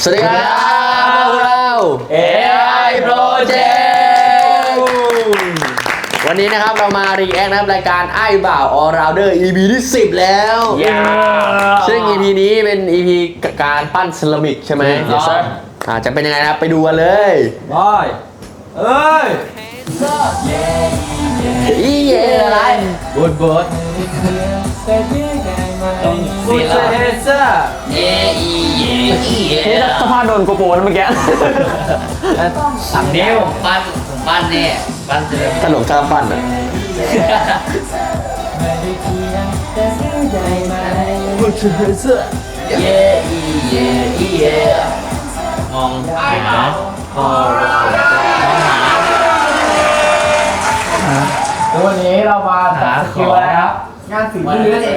สวัสดีครับพวกเรา AI Project วันนี้นะครับเรามารีแอคนะครับรายการไอ้บ่าว All Rounder EP ที่10แล้วซึ่ง EP นี้เป็น EP การปั้นเซรามิกใช่ไหมจะเป็นยังไงนะครับไปดูกันเลยบอยเอ้ยอีเย่อะไรบูดต้องบูดเฮเซอร์เย่อีเย่อีเย่สภาพโดนโกโปนเมื่อกี้สามนิ้วปั้นเนี่ยปั้นเสร็จถนนข้ามปั้นอ่ะบูดเฮเซอร์เย่อีเย่อีเย่มองหาแล้ววันนี้เรามาจัดสกิลอะไรครับงานฝีมือนั่นเอง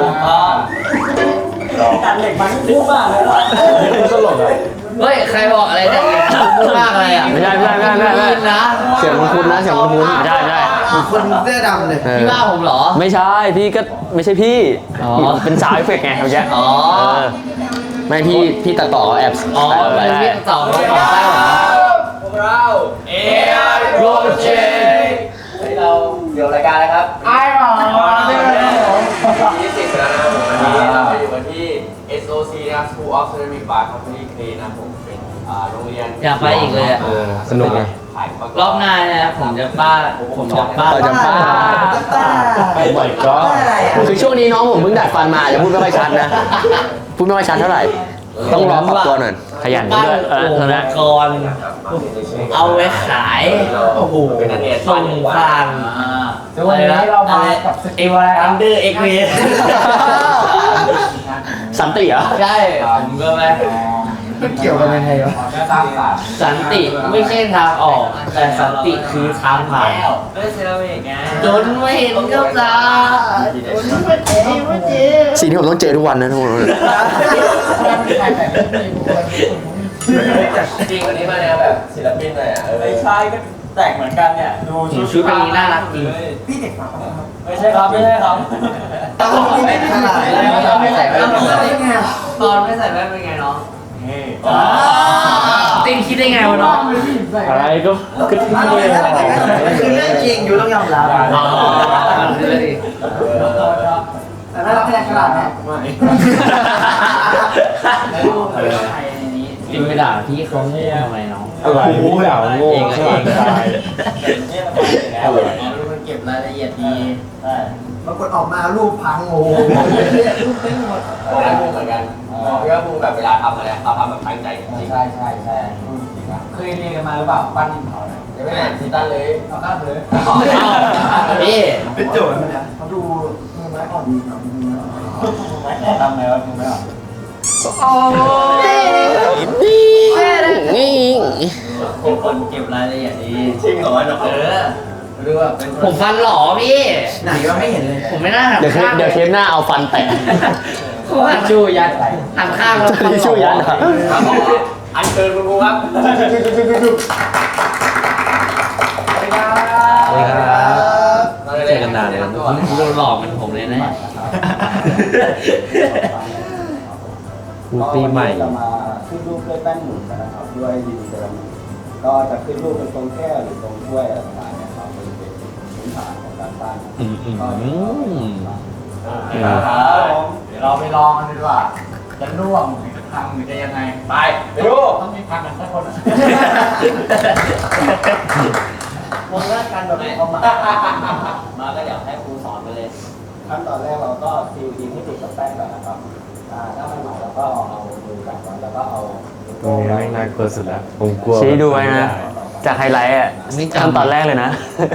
ตัดเหล็กมันพุ่งมากเลยตลกอ่ะเฮ้ยใครบอกอะไรเนี่ยพุ่งมากอะไรอ่ะไม่ใช่นะเสียงมันคุ้นนะเสียงมันคุ้นไม่ใช่คนเสื้อดำเลยพี่ว่าผมเหรอไม่ใช่พี่ก็ไม่ใช่พี่เป็นสาวเอฟเฟกต์ไงเมื่อกี้ไม่พี่ตัดต่อแอบพี่ตัดต่อของใต้หรอพวกเรา AI Project เราเดี๋ยวรายการอะไรครับไอ้หรอที่10แล้วนะครับผมวันนี้เราไปอยู่กันที่ SOC นะครับ School of Ceramic by Company Clay นะครับผมเป็นโรงเรียนอยากไปอีกเลยสนุกเลยรอบหน้าเนี่ยผมจะป้าบ่อยก็คือช่วงนี้น้องผมเพิ่งดัดฟันมาจะพูดไม่ค่อยชัดนะพูดไม่ค่อยชัดเท่าไหร่ต้องรอปรับตัวหน่อยขยันด้วยก่อนเอาไว้ขายโอ้โหเป็นนักเรียนส่งผ่านวันนี้เรามากับสกิลอะไรครับ Under X สันติเหรอใช่ผมก็ไปไม่เกี่ยวกันยังไงวะสันติไม่ใช่ทางออกแต่สันติคือทางผ่านจนไม่เห็นกับตาจนไม่เจ็บสิ่งที่ผมต้องเจอทุกวันนะทุกคนจริงวันนี้มาแนวแบบศิลปินเลยอ่ะไม่ใช่ก็แตกเหมือนกันเนี่ยดูชุดเป็นนี้น่ารักจริงพี่เด็กมาไม่ใช่ครับต้องไม่ขนาดไม่ใส่แว่นตอนไม่ใส่แว่นเป็นไงน้องติงคิดได้ไงวะน้องอะไรก็คือที่นี่เลยคือเรื่องจริงอยู่ต้องยอมรับแต่ถ้าเราแค่ขนาดนี้ติงไปด่าพี่เขาทำไมน้องอะไรด่าโง่เองมันเก็บรายละเอียดดีปรากฏออกมารูปพังโง่รูปเต็มหมดได้พูดเหมือนกันพี่ว่าพูดแบบเวลาทำอะไรเราทำแบบตั้งใจจริงใช่เคยเรียนกันมาหรือเปล่าปั้นดินเผาเนี่ยยังไม่อ่านซีตันเลยเอาข้ามเลยพี่เป็นโจทย์นะเขาดูมือไม้อ่อนดีครับทำไงวะมือไม้อ่อนโอ้ยคนเก็บรายละเอียดดีจริงเหรอดูว่าผมฟันหล่อพี่ไหนว่าไม่เห็นเลยผมไม่น่าทำเดี๋ยวเทปหน้าเอาฟันแตะหันชูยันหันข้างแล้วชูยันอันเชิญคุณครูครับเจอกันนานเลยโดนหลอกเป็นผมเลยนะปีใหม่จะมาขึ้นรูปด้วยแป้นหมุนนะครับด้วยดินเซรามิกก็จะขึ้นรูปเป็นตรงแก้วหรือตรงถ้วยอะไรต่างๆนะครับเป็นพื้นฐานของการปั้นเดี๋ยวเราไปลองกันดีกว่าจะร่วงพังหรือจะยังไงไปดูต้องมีพังกันสักคนวงแรกกันแบบเข้ามาก็เดี๋ยวให้ครูสอนไปเลยขั้นตอนแรกเราก็ซีลดินให้ติดกับแป้งก่อนนะครับถ้ามันหนาเราก็เอามือจับมันแล้วก็เอาตรงนี้น่ากลัวสุดแล้วผมกลัวชี้ดูไว้นะจากไฮไลท์อ่ะขั้นตอนแรกเลยนะ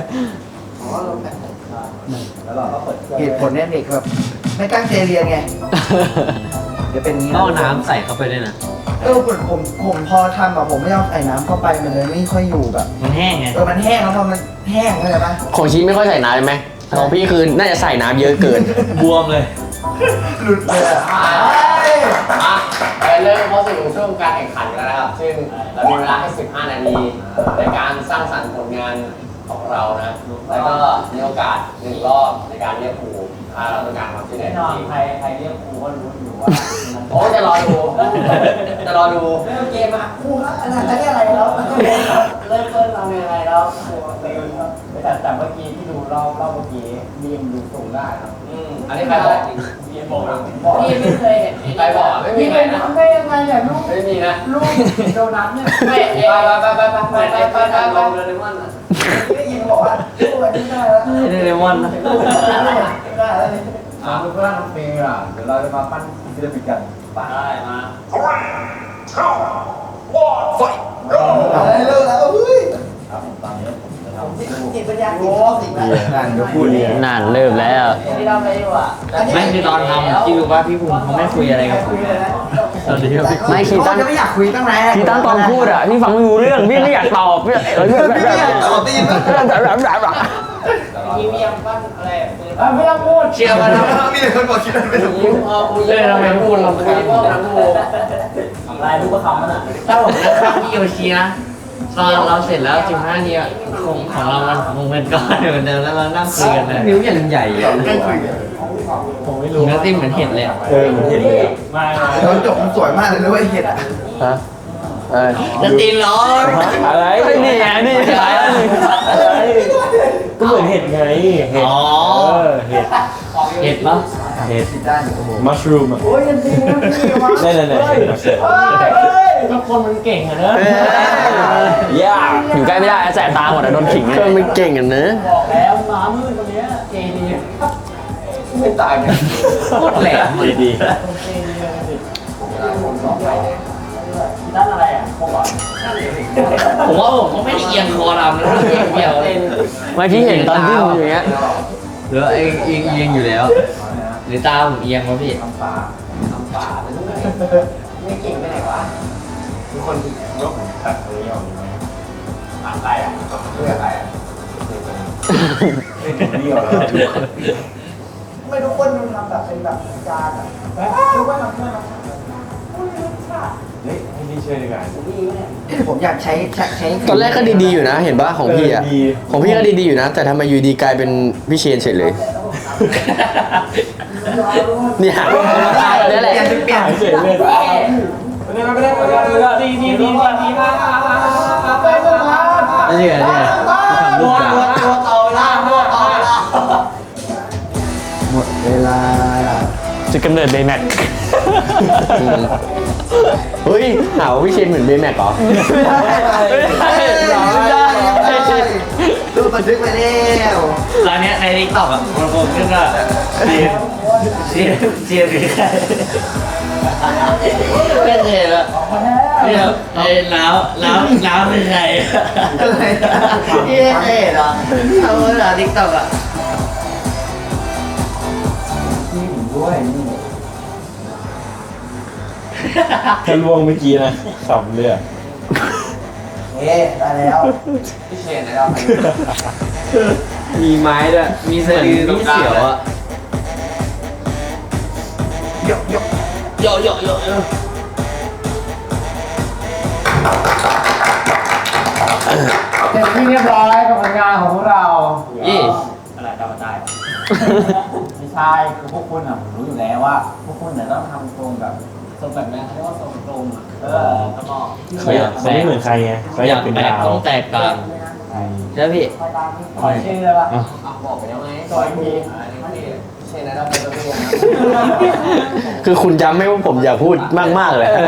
แล้วเราก็เปิดเหตุผลเนี่ยเด็กแบบไม่ตั้งใจเรียนไงจะเป็นงี้ต้องน้ำใส่เข้าไปด้วยนะผมพอทำแบบผมไม่เอาใส่น้ำเข้าไปมันเลยไม่ค่อยอยู่แบบมันแห้งไงมันแห้งแล้วพอมันแห้งเข้าใจปะของชิ้นไม่ค่อยใส่น้ำไหมของพี่คือน่าจะใส่น้ำเยอะเกินบวมเลยหลุดเลยไปเริ่มเข้าสู่ช่วงการแข่งขันกันแล้วนะครับซึ่งเรามีเวลาให้15 นาทีในการสร้างสรรค์ผลงานของเรานะแล้วก็มีโอกาส1 รอบในการเรียกครูเราต้องการความช่วยเหลืแน่อนอนจริงใครเรียกครูก็รู้อยู่ว่าโอ้จะรอดูจะรอดูเริ่มเกมอ่ะครูครับอันนั้นจะเรียกอะไรแล้วเริ่มต้นทำยังไงแล้วครูแต่เมื่อกี้ที่ดูรอบเมื่อกี้บีมดูสูงได้ครับอันนี้ใครบอกจริงบีมบอกพี่ไม่เคยเห็นใครบอกไม่มีพี่ใครเป็นนะทำได้ยังไงเนี่ยลูกไม่มีนะลูกโดนัทเนี่ยไปลงเลยมันได้ยินบอกว่าลูกอันนี้ได้แล้วเดเรมอนนะได้แล้วลูกร่างน้องเฟย์อ่ะเดี๋ยวเราจะมาปั้นศิลปินกันได้มาเลิกแล้วเฮ้ยครับตอนนี้ผมจะทำจิตปัญญาโอ้สิบนั่นก็พูดเนี่ยนานเริ่มแล้วที่เราไปอยู่อ่ะไม่คือตอนทำที่รู้ว่าพี่ภูมิเขาไม่คุยอะไรกับผมตอนนี้ไม่คีตันจะไม่อยากคุยตั้งนานคีตันตอนพูดอ่ะพี่ฟังไม่รู้เรื่องพี่ไม่อยากตอบพี่พี่ไม่อยากตอบได้ยินไหมทีวียังปั้นอะไรไม่ต้องพูดเชียร์มาทำมีแต่คนบอกคิดอะไรไม่ถูกยิ้มพอคุยทำไมพูดเราคุยพวกนั้นพูดลายลูกประคำมันอ่ะถ้าผมนั่งข้างพี่โยชินะตอนเราเสร็จแล้ว15นี้ของเรามันคงเป็นก้อนเหมือนเดิมแล้วเรานั่งคุยกันเลยนิ้วอย่างใหญ่ผมไม่รู้เนื้อติ้มเหมือนเห็ดเลยมันเห็นเลยมาตอนจบมันสวยมากเลยนะเว้ยเห็ดอ่ะฮะจะตีนร้อนอะไรนี่ไงนี่อะไรก็เหมือนเห็ดไงเห็ดอ๋อเห็ดปะเห็ดด้านโอ้โหมัชรูมอ่ะโอ้ยยังดีนะพี่มานั่นก็คนมันเก่งอะเนอะย่าอยู่ใกล้ไม่ได้แสบตาหมดอะโดนขิงก็ไม่เก่งกันนะบอกแล้วหมามืดคนนี้เจดีไม่ตายเนี่ยโคตรแหลมเลยดีด้านอะไรอ่ะพวกอ่ะผมว่าผมก็ไม่ได้เอียงคอดำแล้วเอียงเดียวไม่พี่เห็นตอนที่อยู่อย่างเงี้ยหรือเอียงอยู่แล้ว หรือตาผมเอียงวะพี่ไม่เก่งไปไหนวะทุกคนยกตัดตัวนี้ออกดีไหมอะไรอ่ะเพื่ออะไรอ่ะเดี่ยวแล้วไม่ทุกคนมันทำแบบเป็นแบบจานอ่ะทุกคนทำเพื่อมาเฮ้ยให้พี่ช่วยดีกว่าผมอยากใช้ตอนแรกก็ดีๆอยู่นะ เห็นปะของพี่อ่ะ ของพี่ก็ดีๆอยู่นะ แต่ทำไมอยู่ดีกลายเป็นพี่เชนเฉยเลย เนี่ยนี่แหละเปลี่ยนเฉยเลยดีมากนี่ไงนี่ไงทำรูปกาตัวต่อเวลาตัวต่อเวลาหมดเวลาจุดกำเนิดเบย์แม็กเฮ้ยหาว่าพี่เชนเหมือนเบย์แม็กเหรอดูบันทึกไปแล้วร้านนี้ในทิกตอกอ่ะมันคงขึ้นว่าเจียหรือใครก็เห็นแล้วเนี่ยไอ้ล้าวเป็นใครอะไรพี่เห็นเหรอทำเวลาทิกตอกอ่ะนี่ผมด้วยนี่แค่ล่วงเมื่อกี้นะขำเลยอ่ะได้แล้วพี่เชนนะครับมีไม้ด้วยมีสะดือมีเสียวอ่ะยกโยเสร็จที่เรียบร้อยกับผลงานของพวกเรายี่อะไรดาวตายไม่ใช่คือพวกคุณอ่ะผมรู้อยู่แล้วว่า พวกคุณเนี่ยต้องทำทรงแบบทรงแบบนี้เขาเรียกว่าทรงตรงอ่ะแล้วก็เขาไม่เหมือนใครไงเขาอยากเป็นดาวต้องแตกต่างใช่พี่ขอชื่อเลยป่ะบอกไปแล้วไงสวยจริงพี่เชนนะครับเป็นตัวพี่นะคือคุณจำไม่ว่าผมอยากพูดมากๆเลยเนี่ย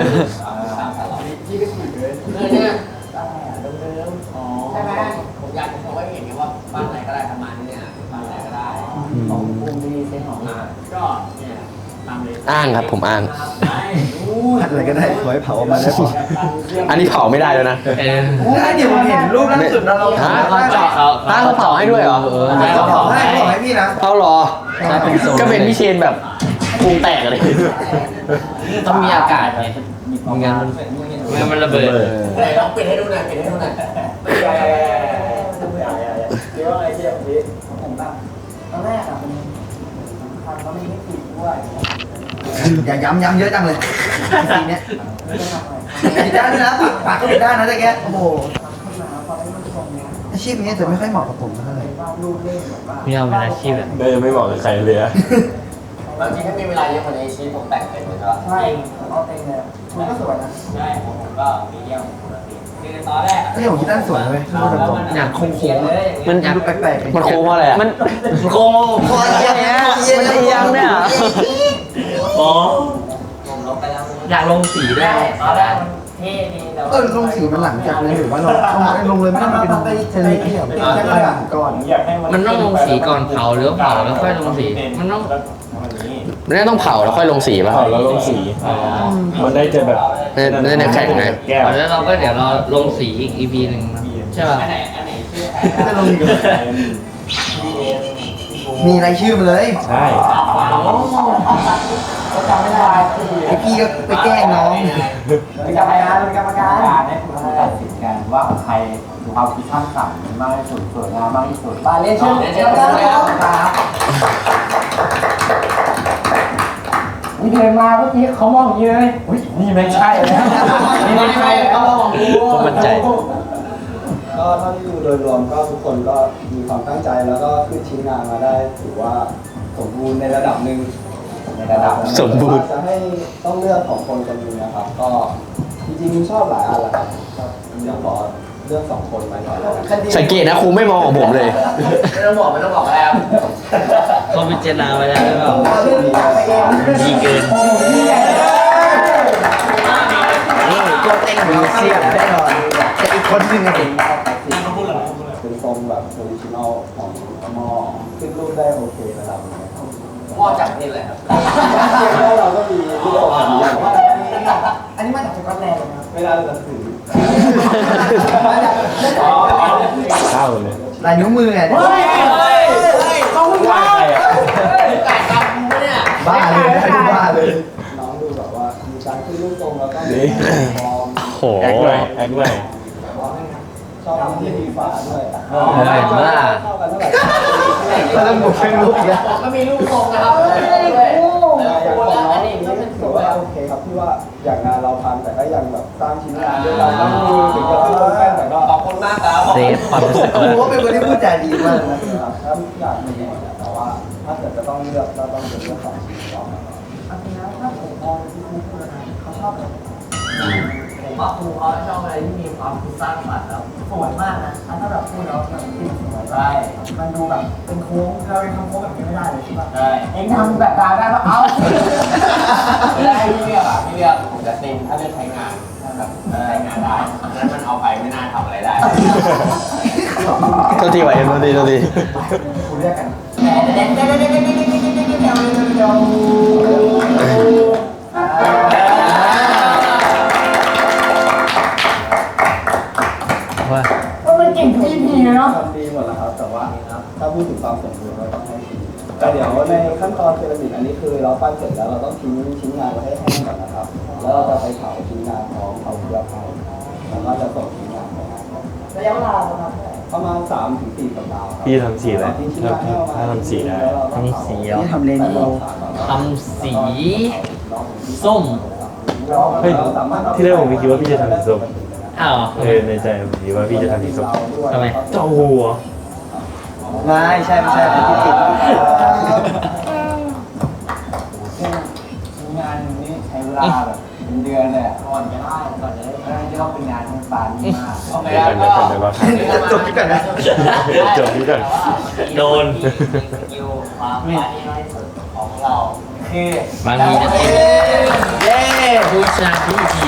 ใช่ไหมผมอยากจะโชว์ให้เห็นว่าบ้านไหนก็ได้ทำมาที่เนี่ยบ้านไหนก็ได้ของภูมิดีเซนของก็เนี่ยตามเลยอ้างครับผมอ้างอะไรก็ได้ขอให้เผาออกมาได้พออันนี้เผาไม่ได้แล้วนะเดี๋ยวผมเห็นรูปล่าสุดเราฮะเจาะเขาเขาเผาให้ด้วยเหรอเขาเผาให้พี่นะเอาเหรอ ก็เป็นพี่เชนแบบพุงแตกเลยต้องมีอากาศไงไม่งั้นมันระเบิดไหนลองปิดให้ดูหน่อยปิดให้ดูหน่อยเดี๋ยวอะไรที่อย่างนี้ผมแบบตอนแรกอ่ะมันสำคัญเขาไม่ให้ติดด้วยอย่าย้ำเยอะจังเลยทีเนี้ยปิดด้านนะปากก็ปิดด้านนะแต่แกโอ้โหขึ้นมาพอได้มันตรงเนี้ยอาชีพนี้จะไม่ค่อยเหมาะกับผมเท่าไหร่ไม่เอาเป็นอาชีพแบบได้ไม่บอกกับใครเลยอะบางทีถ้ามีเวลาเยอะกว่านี้ชีวิตผมแต่งเป็นเลยครับใช่เอาเต็มเลยมันก็สวยนะใช่ผมก็มีเยี่ยมปกติคือตอนแรกก็อย่างที่ด้านสวยเลยพูดตรงๆอยากโค้งๆเลยมันดูแปลกๆมันโค้งเพราะอะไรอ่ะมันโค้งเพราะอย่างเงี้ยมันเอียงเนี่ยอ๋อผมลบไปแล้วอยากลงสีด้วยตอนแรกมันเท่ดีแต่ว่าลงสีมันหลังจากเลยหรือว่าเราลงเลยไม่ต้องเป็นเทเลที่แบบก่อนอยากให้มันต้องลงสีก่อนเผาหรือเผาแล้วค่อยลงสีมันต้องไม่ได้ต้องเผาแล้วค่อยลงสีป่ะเผาแล้วลงสี มันได้จะแบบไม่ได้แข็งไงแก้วแล้วเราก็เดี๋ยวเราลงสีอีก EP หนึ่งนะใช่ป่ะอันไหนชื่อจะลงมีรายชื่อมาเลยใช่ก็จำไม่ได้ไอพี่ก็ไปแกล้งน้องเป็นกรรมการเป็นกรรมการเนี่ยคุณตัดสินกันว่าใครดูความคิดสร้างสรรค์มากที่สุดสวยงามมากที่สุดมาเล่นชื่อเจ้าครับวิเดินมาเมื่อกี้เขามองอย่างนี้เลยอุ้ยนี่ไม่ใช่แล้วนี่ไม่ใช่เขามองกูผมมั่นใจก็เท่าที่ดูโดยรวมก็ทุกคนก็มีความตั้งใจแล้วก็ขึ้นชิ้นงานมาได้ถือว่าสมบูรณ์ในระดับหนึ่งในระดับสมบูรณ์จะให้ต้องเลือกของคนคนหนึงนะครับ ก็จริงๆชอบหลายอันแหละครับเดี๋ยวขอเลือก2 คนไปก่อนแล้วกันสังเกตนะครูไม่มองของผมเลยไม่ต้องบอกแล้วเขาพิจารณาไว้แล้วหรือเปล่าเรื่องนี้ไปเองดีเกินนี่ตัวเต็งมีเสียงแน่นอนแต่อีกคนนึงอะเด็กเป็นทรงแบบโทริจินอลของหม้อขึ้นรูปได้โอเคระดับหนึงครับหม้อจากนี่แหละครับแล้วเราก็มีรูปแบบนี้อย่างอันนี้มาจากสกอตแลนด์นะครับไม่น่าจะถือเข้าเลยลายนิ้วมือไงเฮ้ยเขาพูดว่าไก่ตามกูเนี่ยบ้าเลยบ้าเลยน้องดูแบบว่ามีการขึ้นรูปทรงแล้วก็มีฟอร์มโหแอคหน่อยแอคหน่อยชอบที่มีฝาด้วยเห็นว่าเข้ากันเท่าไหร่แล้วต้องหมดเป็นรูปแล้วก็มีลูกทรงนะครับอย่างของน้องอันนี่นี้ก็เป็นสถือวยว่าโอเคครับที่ว่าอย่างงานเราทำแต่ก็ยังแบบสร้างชิ้นงานด้วยกันทั้งมือถึงจะขึ้นรูปแป้งแต่ก็ขอบคุณมากครับเซฟความรู้สึกครูว่าเป็นคนที่พูดจาดีมากนะถ้าทุกอย่างมีหมดแต่ว่าถ้าเกิดจะต้องเลือกก็ต้องเป็นเรื่องของชิ้นก่อนนะครับอันนี้นะถ้าผมมองที่คุณพูดนะเขาชอบแบบผมว่าครูเขาชอบอะไรที่มีความคิดสร้างสรรค์แล้วสวยมากนะถ้าแบบพูดแล้วแบบที่สวยได้มันดูแบบเป็นโค้งเราเป็นทำโค้งแบบนี้ไม่ได้เลยใช่ป่ะใช่เองทำแบบดาวได้ปะเอ้าไม่ได้ที่เลือกอ่ะที่เลือกผมจะเต็มถ้าเลือกใช้งานแบบใช้งานได้นั้นมันเอาไปไม่น่าทำอะไรได้โทษทีไหวโทษทีโทษทีคุณเรียกกันเด็ดเด็ดเด็ดเด็ดเด็ดเด็ดเด็ดเด็ดเด็ดเด็ดเด็ดว่ามันเก่งทุก EP เลยเนาะทำดีหมดแล้วครับแต่ว่าถ้าพูดถึงความสมบูรณ์เราต้องให้ดีแต่เดี๋ยวในขั้นตอนเซรามิกอันนี้คือเราปั้นเสร็จแล้วเราต้องทิ้งชิ้นงานไว้ให้แห้งก่อนนะครับ แล้วเราจะไปเผาชิ้นงานพร้อมเอาเกลือเผาแล้วก็จะส่งชิ้นงานไปให้ระยะเวลาประมาณเท่าไหร่ประมาณ3-4 สัปดาห์ครับพี่ทำสีอะไรถ้าทำสีได้ทำสีเหรอนี่ทำเลนโบทำสีส้มเฮ้ยที่แรกผมไม่คิดว่าพี่จะทำสีส้มอ้าวในใจผมคิดว่าพี่จะทำสีส้มทำไมเจ้าหัวไม่ใช่ไม่ใช่เป็นที่ติดงานนี้ใช้เวลาแบบเป็นเดือนเลยก่อนจะได้ก่อนจะได้ที่เขาเป็นงานมันปานนี้มากโอเคแล้วก็จบที่ก่อนนะจบที่ก่อนโดนคิวความปาที่น้อยสุดของเราคือบางทีจะเป็นเย้ผู้ชนะที่ดี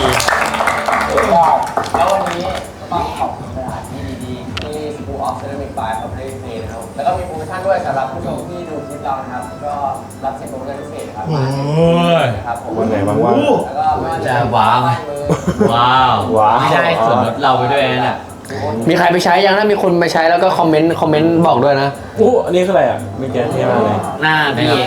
แล้ววันนี้ต้องขอบคุณสถานที่ดีๆที่ School of Ceramic by Public Play นะครับแล้วก็มีโปรโมชั่นด้วยสำหรับผู้ชมที่ดูคลิปเรานะครับก็รับสิทธิ์โปรโมชั่นพิเศษนะครับนะครับผมวันไหนว่างแล้วก็ไม่ว่าจะว้าว ว้าวว้าวไม่ได้ส่วนลดเราไปด้วยนะเนี่ยมีใครไปใช้ยังถ้ามีคนไปใช้แล้วก็คอมเมนต์บอกด้วยนะๆอู้อันนี้คืออะไรอ่ะไม่แก้เท่มากเลยหน้าพี่เอง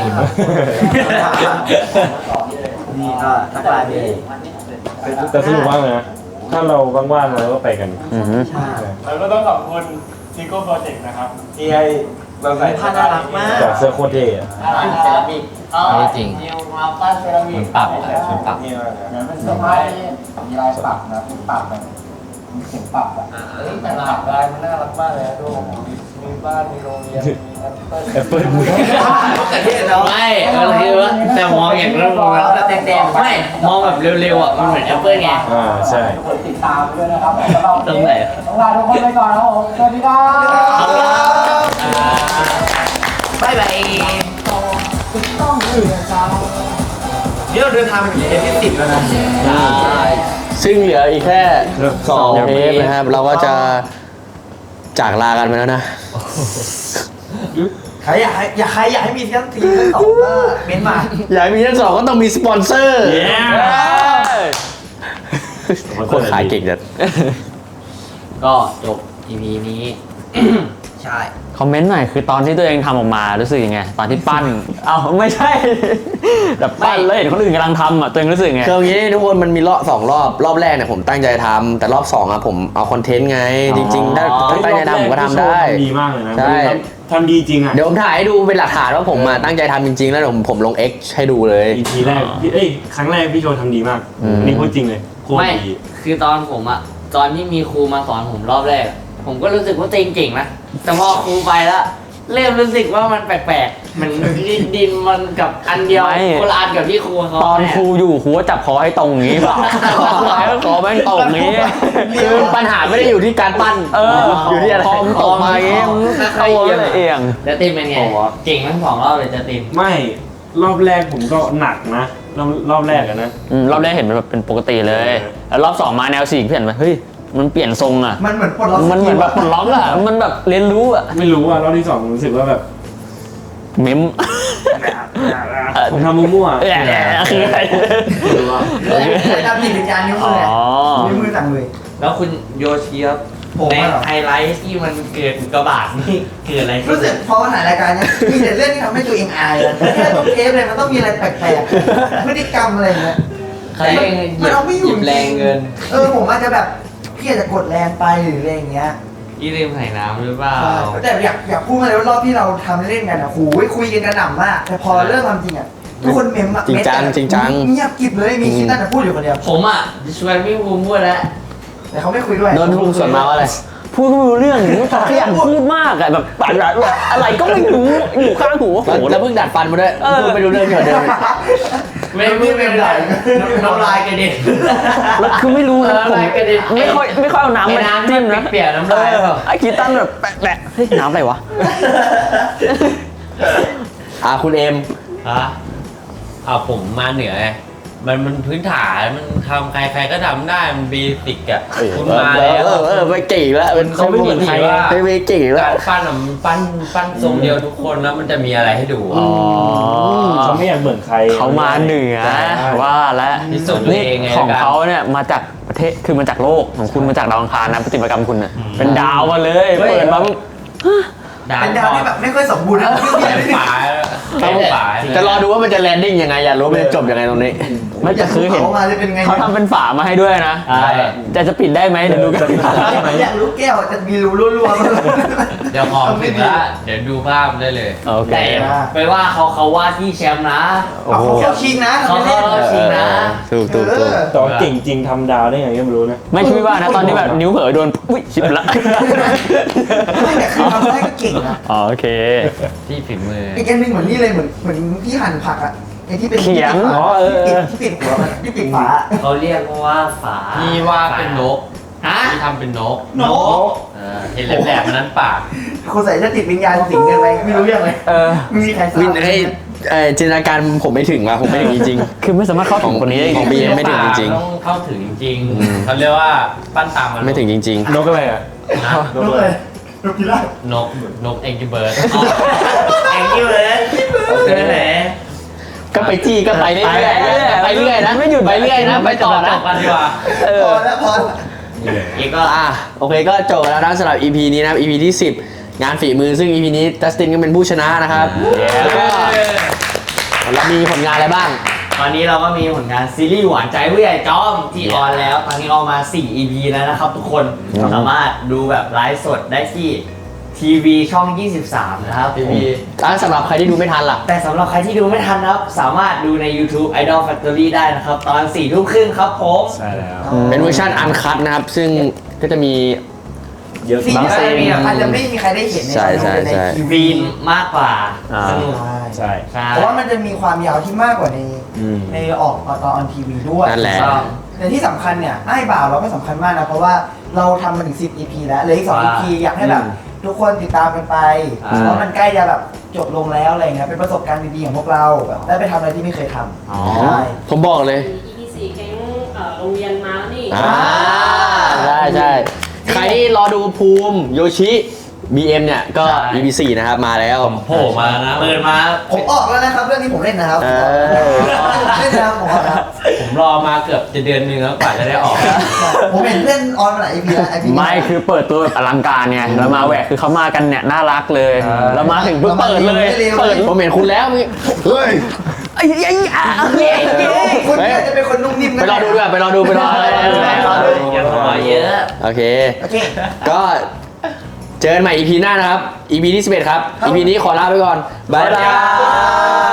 นี่ก็ทักทายดีแต่สนุกมากเลยนะ ถ้าเราว่างๆเราก็ไปกันอือฮึแล้วก็ต้องขอบคุณซิโก้โปรเจกต์นะครับที่ให้เราใส่ผ้าน่ารักมากจากเสื้อโคตรเท่อะเซรามิกนิวมาปั้นเซรามิกมันปรับมันปรับนี่มากนะเหมือนเป็นเสื้อผ้าที่มีลายปักนะเป็นปักแบบเข็มปรับอะแต่หลากหลายมันน่ารักมากเลยดูมีบ้านมีโรงเรียนมีแอปเปิ้ลแอปเปิลไม่คือว่าแต่มองอย่างนั้นมองแล้วแดงๆไม่มองแบบเร็วๆอ่ะมันเหมือนแอปเปิ้ลไงใช่ทุกคนติดตามด้วยนะครับสำหรับตรงไหนต้องลาทุกคนไปก่อนนะครับผมสวัสดีครับบายบายนี่เราเดินทางมาถึงเทปที่10แล้วนะซึ่งเหลืออีกแค่2 เทปนะครับ เราก็จะจากลากันไปแล้วนะใครอยากให้มีทั้งทีทั้งสองก็เม้นมาอยากมีทั้งสองก็ต้องมีสปอนเซอร์ คนขายเก่งจัดก็จบ EP นี้ใช่คอมเมนต์หน่อยคือตอนที่ตัวเองทำออกมารู้สึกยังไง ตอนที่ปั้น เอ้าไม่ใช่ แบบปั้นเลยเห็นคนอื่นกำลังทำอ่ะตัวเองรู้สึกไงคืออย่างนี้ทุกคนมันมีรอบแรกเนี่ยผมตั้งใจทำแต่รอบ2อ่ะผมเอาคอนเทนต์ไง จริงๆถ้าตั้งใจทำผมก็ทำได้ดีมากเลยนะใช่ทำดีจริงอ่ะเดี๋ยวผมถ่ายให้ดูเป็นหลักฐานว่าผมมาตั้งใจทำจริงๆ แล้วเดี๋ยวผมลง X ให้ดูเลย EP แรกครั้งแรกพี่โชว์ทำดีมาก นี่พูดจริงเลยโคตรไม่ดีคือตอนผมอะตอนที่มีครูมาสอนผมรอบแรก ผมก็รู้สึกว่าตัวเองเก่งนะ แต่พอครูไปแล้วเริ่มรู้สึกว่ามันแปลกๆ มันดินมันกับอันเดียวไม่คนละอันกับที่ครูเขาตอนครูอยู่ครูก็จับคอให้ตรงอย่างงี้เปล่าคอแม่งตรงอย่างงี้คือปัญหาไม่ได้อยู่ที่การปั้น อยู่ที่อะไรคอมตกมาอย่างงี้เอาเลยเอียงแล้วติมเป็นไง เก่งทั้ง2 รอบเลยจะติมไม่รอบแรกผมก็หนักนะรอบแรกอะนะรอบแรกเห็นมันแบบเป็นปกติเลย แล้วรอบ2มาแนว4เปลี่ยนไปเฮ้ยมันเปลี่ยนทรงอ่ะมันเหมือนปลดล็อกมันเหมือนแบบปลดล็อกอ่ะมันแบบเรียนรู้อ่ะไม่รู้อะรอบที่2ผมรู้สึกว่าแบบเม้มผมทำมั่วๆคืออะไรไม่รู้อะเลยทำจิตวิญญาณนิ้วมือเนี่ยนิ้วมือสั่งเลยแล้วคุณโยชิครับผมในอะเหรอไฮไลท์ที่มันเกิดอุกกาบาตนี่เกิดอะไรขึ้รู้นสึกพอมาถ่ายรายการเนี้ยมีแต่เรื่องที่ทำให้ตัวเองอายอะแค่ต้องเทปเลยมันต้องมีอะไรแปลกๆพฤติกรรมอะไรอย่างเงี้ยใครเองหมันเอาไม่อยู่ยิบแรงเกินผมอาจจะแบบพี่อาจจะกดแรงไปหรืออะไรอย่างเงี้ยยี่ลืมใส่น้ำหรือเปล่าแต่อยากพูดมาเลยว่ารอบที่เราทำเล่นกันอ่ะโหคุยกันกระหน่ำมาก แต่พอเริ่มทำจริงอ่ะทุกคนเมมอะจริงจังเมมอะจริงจังเงียบกริบเลยมีคิดนั่นแต่พูดอยู่คนเดียวผมอ่ะจะชวนพี่ภูมิพูดแล้วแต่เขาไม่คุยด้วยโดนพี่ภูมิสวนมาว่าอะไรพูดก็ไม่รู้เรื่องขยันพูดมากอะแบบอะไรก็ไม่รู้อยู่ข้างหูแล้วเพิ่งดัดฟันมาด้วยพูดไม่รู้เรื่องเกี่ยวกับเดิมไม่เป็นไรน้ำลายกระเด็นแล้วคือไม่รู้นะน้ำลายกระเด็นไม่ค่อยเอาน้ำมาจิ้มนะเปลี่ยนน้ำลายเปล่าไอ้กีตันแบบแปะเฮ้ยน้ำอะไรวะคุณเอ็มฮะผมมาเหนือไงมันพื้นฐานมันทำใครก็ทำได้มันเบสิกอ่ะคุณมาแล้วไม่เก่งแล้วเขาไม่เหมือนใครไม่เก่งแล้วการปั้นอะมันปั้นทรงเดียวทุกคนแล้วมันจะมีอะไรให้ดูเขาไม่อยากเหมือนใครเขามาเหนือว่าแล้วพิสูจน์ตัวเองไงของเขาเนี่ยมาจากประเทศคือมาจากโลกของคุณมาจากดาวอังคารนะปฏิบัติกรรมคุณน่ะเป็นดาวมาเลยเปิดมาปุ๊บเป็นดาวที่แบบไม่ค่อยสมบูรณ์นะเป็นฝาจะรอดูว่ามันจะแลนดิ้งยังไงอยากรู้มันจะจบยังไงตรงนี้ไม่จะคือเห็นเขามาจะเป็นไงเขาทำเป็นฝามาให้ด้วยนะแต่จะปิดได้ไหมเดี๋ยวดูกันอยากรู้แก้วจะมีรูรั่วๆมั้ยเดี๋ยวของถึงแล้วเดี๋ยวดูภาพได้เลยโอเคแต่ไปว่าเขาว่าที่แชมป์นะเอาเขาเข้าชิงนะเขาทำไม่เข้าเล่นชิงนะถูกแต่ว่าเก่งจริงทำดาวได้ไงก็ไม่รู้นะไม่คิดว่านะตอนที่แบบนิ้วเผลอโดนอุ้ยชิบละไม่แต่คือทำได้ก็เก่งนะโอเคที่ฝีมืออีกอันหนึงเหมือนนี่เลยเหมือนพี่หั่นผักอ่ะไอ้ที่เป็นเขียงที่ปิดหัวมันที่ปิดฝาเขาเรียกว่าฝาพี่ว่าเป็นนกฮะพี่ทำเป็นนกนกเห็นแหลมๆนั้นปากคนใส่จะติดวิญญาณสิงกันไปไม่รู้เรื่องเลย ไม่มีใครทราบวินให้จินตนาการผมไม่ถึงว่ะผมไม่ถึงจริงคือไม่สามารถเข้าถึงคนนี้ได้ของ BM ไม่ถึงจริงต้องเข้าถึงจริงๆเขาเรียกว่าปั้นตามมันๆไม่ถึงจริงนกอะไรอ่ะนะนกเลยนกพิราบนกเอ็งกิเบิร์ดแองกี้เลยนั่นแหละๆ ก็ไปจี้ก็ไปเรื่อยๆไปเรื่อยนะไม่หยุดไปเรื่อยนะไปต่อนะกันดีกว่าพอแล้วพออีกก็โอเคก็จบแล้วนะสำหรับ EP นี้นะครับ EP ที่ 10 งานฝีมือซึ่ง EP นี้จัสตินก็เป็นผู้ชนะนะครับแล้วก็เรามีผลงานอะไรบ้างตอนนี้เราก็มีผลงานซีรีส์หวานใจผู้ใหญ่จอมที่ออนแล้วตอนนี้ออกมา 4 EP แล้วนะครับทุกคนสามารถดูแบบไลฟ์สดได้ที่ทีวีช่อง 23 นะครับทีวีสำหรับใครที่ดูไม่ทันล่ะแต่สำหรับใครที่ดูไม่ทันนะครับ สามารถดูใน YouTube Idol Factory ได้นะครับ ตอน 4 ทุ่มครึ่งครับผมใช่แล้วเป็นเวอร์ชันอันคัตนะครับ ซึ่งก็จะมีเยอะซีนบางอาจซีจะนมีอาจจะไม่มีใครได้เห็นในใช่ใช่ใช่ทีวีวีนมากกว่าอ่าสนุกใช่ใช่เพราะว่ามันจะมีความยาวที่มากกว่าในอืมในออกตอนออนทีวีด้วยนั่นแหละแต่ที่สำคัญเนี่ยไอ้บ่าวเราก็สำคัญมากนะเพราะว่าเราทำมาถึง10 EP แล้วเหลืออีก2 EP อยากให้แบบทุกคนติดตามกันไปเพราะมันใกล้จะแบบจบลงแล้วอะไรเงี้ยเป็นประสบการณ์ดีๆของพวกเราแบบได้ไปทำอะไรที่ไม่เคยทำอ๋อใช่ผมบอกเลย EP 4แก๊งโรงเรียนมาแล้วนี่ใช่ใช่ใครที่รอดูภูมิโยชิ BM เนี่ยก็ EP 4นะครับมาแล้วโผล่มานะเปิดมาผมออกแล้วนะครับเรื่องนี้ผมเล่นนะครับเออเล่นนะครับผมออกแล้วผมรอมาเกือบจะเดือนนึงแล้วกว่าจะได้ออกผมเห็นเพื่อนออนมาหลาย EP แล้ว EP ไม่คือเปิดตัวแบบอลังการไงแล้วมาแหวกคือเขามากันเนี่ยน่ารักเลย แล้วมาถึงปุ๊บเปิดเลยเปิดผมเห็นคุณแล้วเมื่อกี้เฮ้ยไอ้ยัยอ่ะคุณเนี่ยจะเป็นคนนุ่มนิ่มไปรอดูด้วยไปรอดูไปรอดูอย่าสปอยเยอะโอเคโอเคก็เจอกันใหม่ EP หน้านะครับ EP ที่11ครับ EP นี้ขอลาไปก่อน บ๊ายบาย